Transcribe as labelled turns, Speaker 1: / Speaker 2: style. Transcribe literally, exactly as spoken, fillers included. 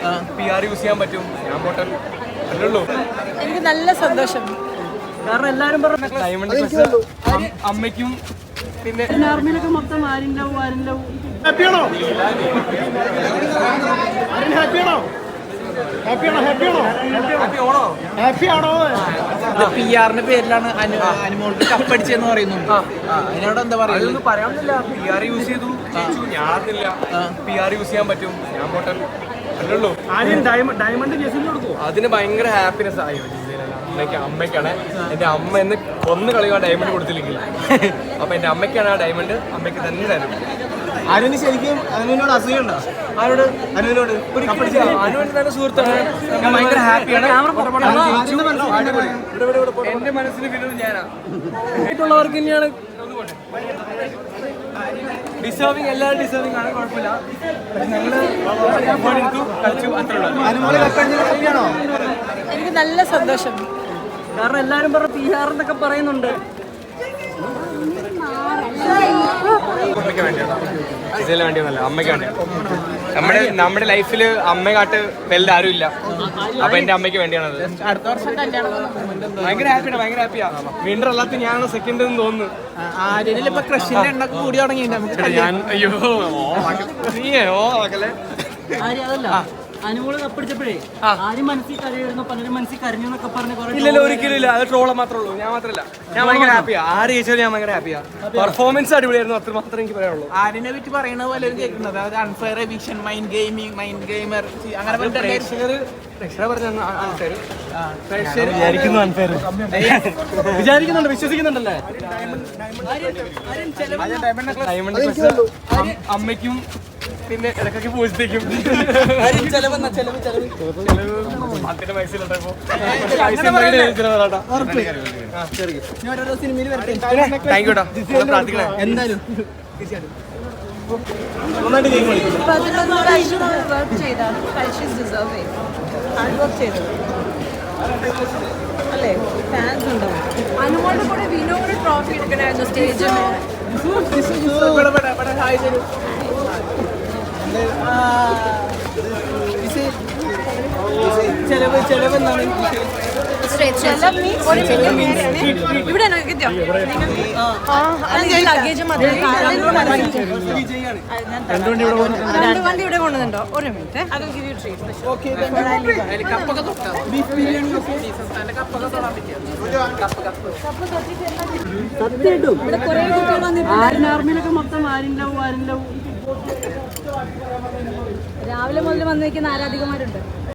Speaker 1: P R use ചെയ്യാൻ പറ്റും. ഞാൻ പോട്ടെ അല്ലുള്ളൂ.
Speaker 2: എനിക്ക് നല്ല സന്തോഷം.
Speaker 3: കാരണം എല്ലാരും പറഞ്ഞു
Speaker 1: ഡയമണ്ട് പ്ലസ് അമ്മയ്ക്കും പിന്നെ
Speaker 3: ആർമിയിലൊക്കെ മൊത്തം ആരും ലവ് ആരും ലവ്.
Speaker 4: ഹാപ്പിയാണോ ഹാപ്പിയാണോ ഹാപ്പിയാണോ ഹാപ്പിയാണോ
Speaker 1: ഹാപ്പി ഓണോ?
Speaker 4: ഹാപ്പിയാണോ?
Speaker 5: പി ആറിന്റെ പേരിലാണ് അനുമോൾക്ക് കപ്പടിച്ചെന്ന് പറയുന്നു. അതിനോട് എന്താ പറയുക?
Speaker 1: അതൊന്നും പറയാനില്ല. പി ആർ യൂസ് ചെയ്തു ഞാനില്ല. പി ആർ യൂസ് ചെയ്യാൻ പറ്റും. ഞാൻ പോട്ടെ അല്ലുള്ളൂ.
Speaker 4: ആദ്യം ഡയമണ്ട് ജെസിന് കൊടുക്കുമോ?
Speaker 1: അതിന് ഭയങ്കര ഹാപ്പിനെസ് ആയി. അമ്മയ്ക്ക് അമ്മയ്ക്കാണ് എൻ്റെ അമ്മ എന്ന് കൊന്നു കളിയാ ഡയമണ്ട് കൊടുത്തില്ലെങ്കിൽ. അപ്പൊ എൻ്റെ അമ്മയ്ക്കാണ് ആ ഡയമണ്ട്. അമ്മയ്ക്ക് തന്നെ തരും.
Speaker 5: അനുവിന് ശരിക്കും അനുവിനോട് അസൂയുണ്ടോ?
Speaker 1: ആരോട്?
Speaker 5: അനുവിനോട്.
Speaker 1: അനുവിന് നല്ല സുഹൃത്താണ്. ഞാൻ ഭയങ്കര ഹാപ്പിയാണ്. എന്റെ മനസ്സിന് വിനോദം ഞാനാ.
Speaker 3: മറ്റുള്ളവർക്ക് തന്നെയാണ്
Speaker 1: ഡിസേർവിങ്. എല്ലാവരും ഡിസേർവിങ് ആണ്, കുഴപ്പമില്ല. പക്ഷെ ഞങ്ങള് എടുത്തു കളിച്ചു അത്രേ ഉള്ളൂ.
Speaker 5: അനുമോള് കപ്പടിച്ചത് ഹാപ്പിയാണോ?
Speaker 2: എനിക്ക് നല്ല സന്തോഷം.
Speaker 3: കാരണം എല്ലാരും പറഞ്ഞു പി ആർ എന്നൊക്കെ പറയുന്നുണ്ട്.
Speaker 1: അമ്മയ്ക്ക് വേണ്ടിയാണ്. ഇതിന് വേണ്ടിയൊന്നല്ല, അമ്മയ്ക്ക് വേണ്ടിയാണ്. നമ്മുടെ നമ്മുടെ ലൈഫിൽ അമ്മയെക്കാട്ട് വലുത് ആരും ഇല്ല. അപ്പൊ എന്റെ അമ്മയ്ക്ക് വേണ്ടിയാണത്.
Speaker 5: അടുത്ത വർഷം കല്യാണം
Speaker 1: ഭയങ്കര ഹാപ്പിയാണ്, ഭയങ്കര ഹാപ്പിയാ. വീണ്ടും അല്ലാത്ത ഞാനാണ് സെക്കൻഡ് എന്ന് തോന്നുന്നു.
Speaker 5: ആര്യനിൽ ഇപ്പൊ ക്രഷിന്റെ എണ്ണ കൂടി തുടങ്ങിയിട്ടുണ്ട്.
Speaker 1: ഞാൻ അയ്യോ നീയേ ഓ മക്കളെ
Speaker 3: ആര്യ അതല്ല അനുമോള് കപ്പടിച്ചപ്പോഴേ ആരും മനസ്സിൽ കരയായിരുന്നു, പലരും മനസ്സിൽ കരഞ്ഞു എന്നൊക്കെ പറഞ്ഞ് കുറെ.
Speaker 1: ഇല്ലല്ലോ, ഒരിക്കലും ഇല്ല. അത് ട്രോള മാത്രമേ ഉള്ളൂ. ഞാൻ മാത്രമല്ല, ഞാൻ ഭയങ്കര ഹാപ്പിയാ. ആര് ചോദിച്ചാലും ഞാൻ ഭയങ്കര ഹാപ്പിയാ. പെർഫോമൻസ് അടിപൊളിയായിരുന്നു. അത്ര മാത്രമേ എനിക്ക് പറയാനുള്ളൂ.
Speaker 5: ആര്യനെ പറ്റി പറയുന്നത് പലരും കേൾക്കുന്നത് അതായത് unfair eviction, mind gaming, mind gamer അങ്ങനെ
Speaker 3: വിചാരിക്കുന്നുണ്ട്, വിശ്വസിക്കുന്നുണ്ടല്ലേ?
Speaker 1: അമ്മയ്ക്കും പിന്നെ ഇടയ്ക്കൊക്കെ പൂജത്തേക്കും അതിന്റെ പൈസയിലുണ്ടോ?
Speaker 5: സിനിമയിൽ വരട്ടെ.
Speaker 1: താങ്ക് യൂടാ. പ്രാർത്ഥിക്കണേ
Speaker 5: എന്തായാലും
Speaker 2: പതിനൊന്ന് പ്രാവശ്യം വർക്ക് ചെയ്താണ്. കഴിച്ച് ഡിസേർവ് ചെയ്തു. ഹാർഡ് വർക്ക് ചെയ്തത് അല്ലേ? ഫാൻസ് ഉണ്ടാവും. അനുമോളുടെ കൂടെ വിനോട് ട്രോഫി എടുക്കണായിരുന്നു സ്റ്റേജിൽ.
Speaker 3: ചെലവ് ചെലവ് എന്താണ്?
Speaker 2: ഇവിടെ ലഗേജ് വണ്ടി ഇവിടെ കൊണ്ടുവന്നുണ്ടോ? ഒരു മിനിറ്റ്.
Speaker 3: ആരും ആർമിയിലൊക്കെ മൊത്തം ആരും ലവ് ആരും ലവ്.
Speaker 2: രാവിലെ മുതൽ വന്നിരിക്കുന്ന ആരാധികമാരുണ്ട്.